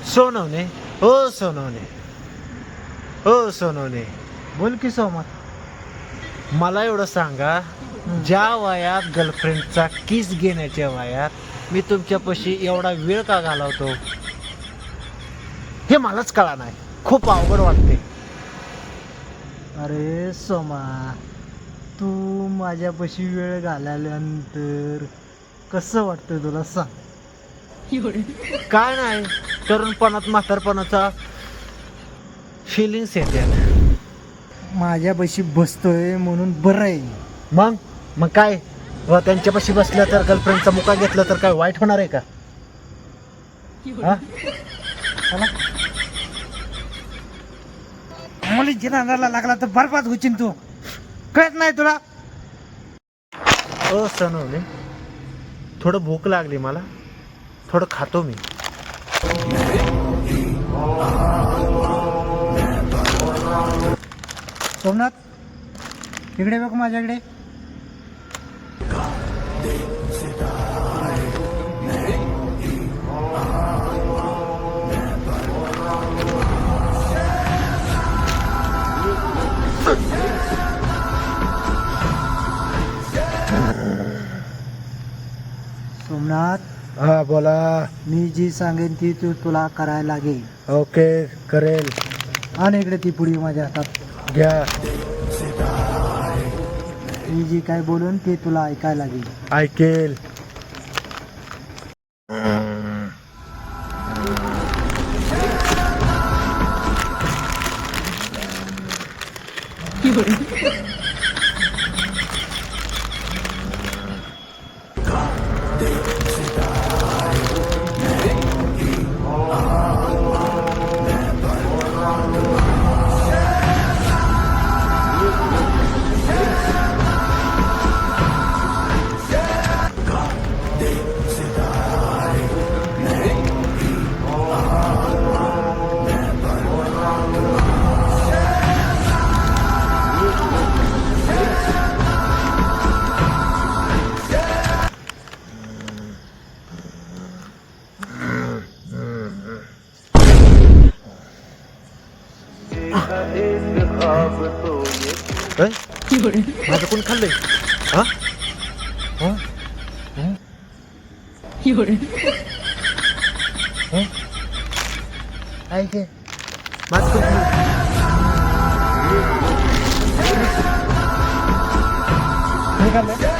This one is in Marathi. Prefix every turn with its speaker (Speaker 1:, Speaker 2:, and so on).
Speaker 1: सोनवणे हो सोनवणे हो सोनवणे.
Speaker 2: बोल की सोमा.
Speaker 1: मला एवढं सांगा, ज्या वयात गर्लफ्रेंडचा किस घेण्याच्या वयात मी तुमच्यापाशी एवढा वेळ का घालवतो हे मलाच कळा नाही. खूप अवघड वाटते.
Speaker 2: अरे सोमा, तू माझ्यापाशी वेळ घालवल्यानंतर कसं वाटतं तुला सांग.
Speaker 1: काय नाही, तरुणपणात म्हातारपणाचा फिलिंग्स येते.
Speaker 2: माझ्यापाशी बसतोय म्हणून बरं आहे.
Speaker 1: मग काय, व त्यांच्यापाशी बसलं तर गर्लफ्रेंडचा मुका घेतला तर काय वाईट होणार आहे का? हा?
Speaker 2: चला. मुलींच्या नादाला लागला तर बरबाद होशील तू. कळत नाही तुला?
Speaker 1: सनवणे, थोडं भूक लागली मला, थोडं खातो मी.
Speaker 2: सोमनाथ, इकडे बघ माझ्याकडे. सोमनाथ,
Speaker 1: हा बोला.
Speaker 2: मी जी सांगेन ती तू तुला करायला लागेल.
Speaker 1: ओके, करेल.
Speaker 2: आणि इकडे ती पुडी माझ्या हातात
Speaker 1: घ्या.
Speaker 2: मी जी काय बोलून ते तुला ऐकायला लागेल.
Speaker 1: ऐकेल. माझं कोण खाल्लंय? हा? हा? हा? ऐके, माझं कोण खाल्लंय?
Speaker 2: हे खाल्लं?